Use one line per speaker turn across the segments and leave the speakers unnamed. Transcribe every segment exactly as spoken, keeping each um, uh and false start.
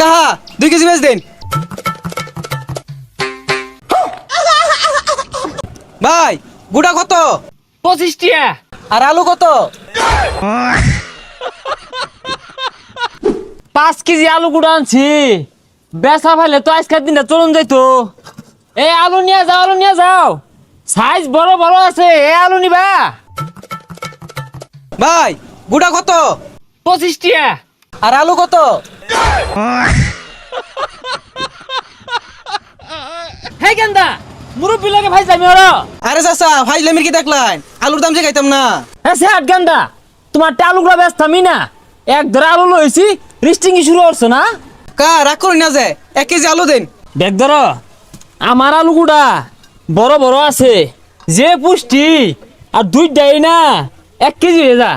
কাহা দুই কেজি বেচ দেন ভাই। গুড়া কত?
পঁচিশ টিয়া।
আর আলু কত?
পাঁচ কেজি আলু গুঁড়া আনছি, বেচা ফেলে তো আজকের দিনটা চলুন যাইতো। এই আলু নিয়ে যাও, আলু নিয়ে যাও, সাইজ বড় বড় আছে। এই আলু নিবা?
ভাই গুড়া কত?
পঁচিশ টিয়া।
আর আলু কত?
হে গেন্দা, মুরব্বী লাগে ভাই যাবি ওরা।
আরে চাচা ফাইজলামির কি দেখলেন? আলুর দাম যে খাইতাম না।
হ্যাঁ সে আট গেন্দা, তোমার আলুগুলা ব্যস্ত আমি না, এক ধরে আলু লইছি, রিস্টিং শুরু করছো না?
কা রাগ করি না যে এক কেজি আলু দেন।
দেখ ধর, আমার আলুগুড়া বড় বড় আছে, যে পুষ্টি, আর দুইটাই না এক কেজি হয়ে যা।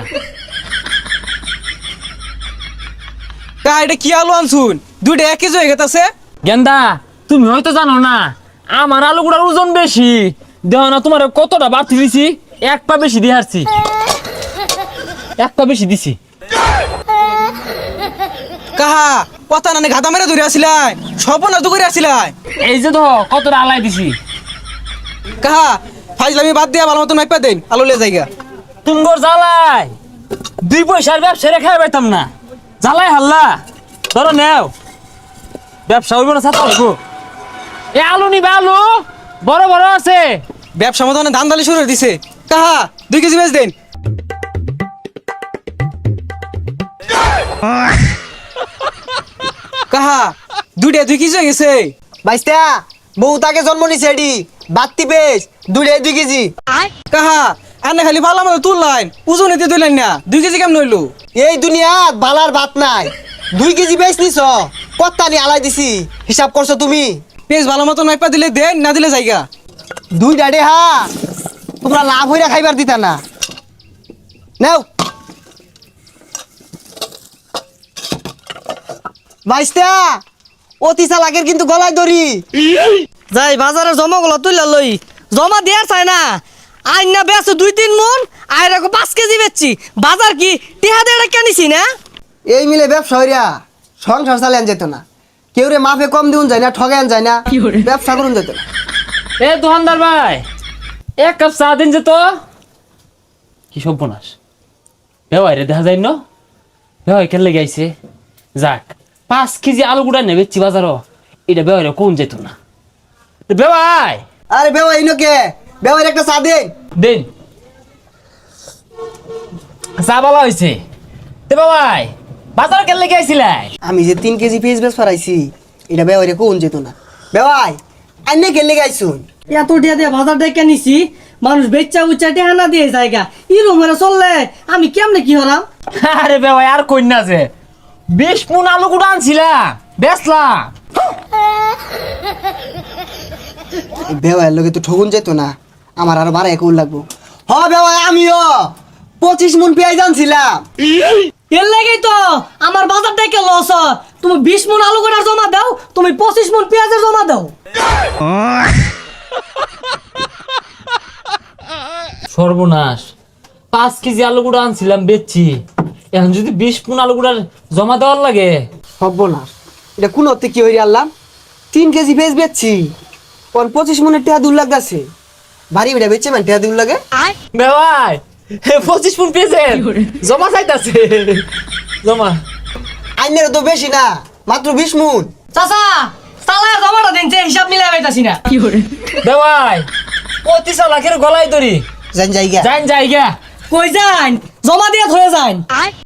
কা এটা কি আলু আনছুন? দুইটা এক কেজি হয়ে গেছে।
গেন্দা তুমি হয়তো জানো না, আমার আলুগুড়ার ওজন বেশি, দেহ না তোমার কতটা বাড়তি দিছি, এক পা বেশি দিয়ে হারছি, এক পা বেশি দিছি।
কাহা কথা নানি ঘাতা মেরে ধরে আসিলাই, সপনা তো করে আসিলাই।
এই যে তো কতটা আলাই দিছি।
কাহা ফাইজলামি বাদ দিয়া ভালো মতন মাইপা দেন, আলু লে জায়গা।
তুমগর জ্বালাই দুই পয়সার ব্যবসা রেখে পাইতাম না, জ্বালাই হাল্লা ধরো নেও, ব্যবসা হইব না ছাত্র হইব। এ আলু নিবা, আলু বড় বড় আছে।
ব্যবসা মতো ধান দালি শুরু করে দিছে। কাহা দুই কেজি বেচ দেন। কাহা দুইটা দুই কেজি হয়ে গেছে।
বাইস্তা বউ তাকে জন্ম নিছে এডি বাত্তি পেস দুইটাই দুই কেজি।
কাহা আনে খালি ভালো মতো তুললাইন, ওজন এতে তুললেন না, দুই কেজি কেমন হইলো?
এই দুনিয়াত বালার ভাত নাই, দুই কেজি বেচ নিছ, কত্তা নি আলাই দিছি, হিসাব করছো তুমি?
পেঁচ ভালো মতন মাইপা দিলে দেন, না দিলে জায়গা।
দুই ডাডে হা তোমরা লাভ হইরা খাইবার দিতা না। নাও বাইস্তা, অতি চালাকের কিন্তু গলায় দড়ি।
যাই বাজারে জমা গুলো তুইলা লই, জমা দেয়ার চাই না। আইন না বেচো দুই তিন মন, আয় রাখো পাঁচ কেজি বেচছি। বাজার কি টিহা দিয়ে কেনিছি না?
এই মিলে ব্যবসা হইরা সংসার চালান যেত না, কেউ রে মাফে কম দিউন যায় না, ঠগান যায় না, ব্যবসা করুন যেত না।
এ দোকানদার ভাই, এক কাপ চা দিন যে তো। কি সর্বনাশ, বেওয়াই রে দেখা যায় ন, বেওয়াই কেন লেগে আইছে। যাক পাঁচ কেজি আলু গুড়া নেবে চি বাজারও, এটা বেওয়াই রে কোন যেত না। বেওয়াই
আরে বেওয়া ইনোকে বেওয়ার একটা চা দে।
দিন চা বলা হয়েছে। তে বেওয়াই বাজার কেন লেগে আইছিলাই?
আমি যে তিন কেজি পেঁয়াজ বেশ ফরাইছি, এটা বেওয়ারে কোন যেত না। বেওয়াই আইনে গেলে গাইছুন,
এত টিহা দিয়ে বাজার দিয়ে কেনিছি, মানুষ বেচা উচ্চা টিহা না দিয়ে জায়গা ইরো মেরে চললে আমি কেমনে কি হলাম?
আরে বেওয়াই আর কইনা যে বিশ মন আলু গুড়া আনছিলাম, বেচলাম।
বেওয়ার লোকে তো ঠগুন যেত না, আমার আরো বারো একুল লাগবো। হ বেওয়াই আমিও পঁচিশ মন পেঁয়াজ আনছিলাম।
এর লাগেই তো আমার বাজার থেকে লস। তুমি বিশ মন আলু গোটার জমা দাও, তুমি পঁচিশ মন পেঁয়াজের জমা দাও।
সর্বনাশ, পাঁচ কেজি আলু গুঁড়া আনছিলাম বেচছি, এখন যদি বিশ মন আলু গুঁড়ার জমা দেওয়ার লাগে।
সর্বনাশ, এটা কোন অর্থে কি হইরে আনলাম? তিন কেজি পেঁয়াজ বেচছি, কোন পঁচিশ মনের টেহা দূর লাগতেছে। ভারী বেটা বেচছে মানে টেহা দূর লাগে।
বেওয়াই পঁচিশ মন পেয়েছে, জমা চাইতাছে জমা।
আইনের তো বেশি না, মাত্র বিশ মন।
চাচা চালায় জমাটা দিন, যে হিসাব মিলাই পাইতাছি না।
বেওয়াই অতি চালাকের গলায় দড়ি,
জান জায়গা
যাইন জায়গা।
কই যান, জমা দিয়ে ধরে যান।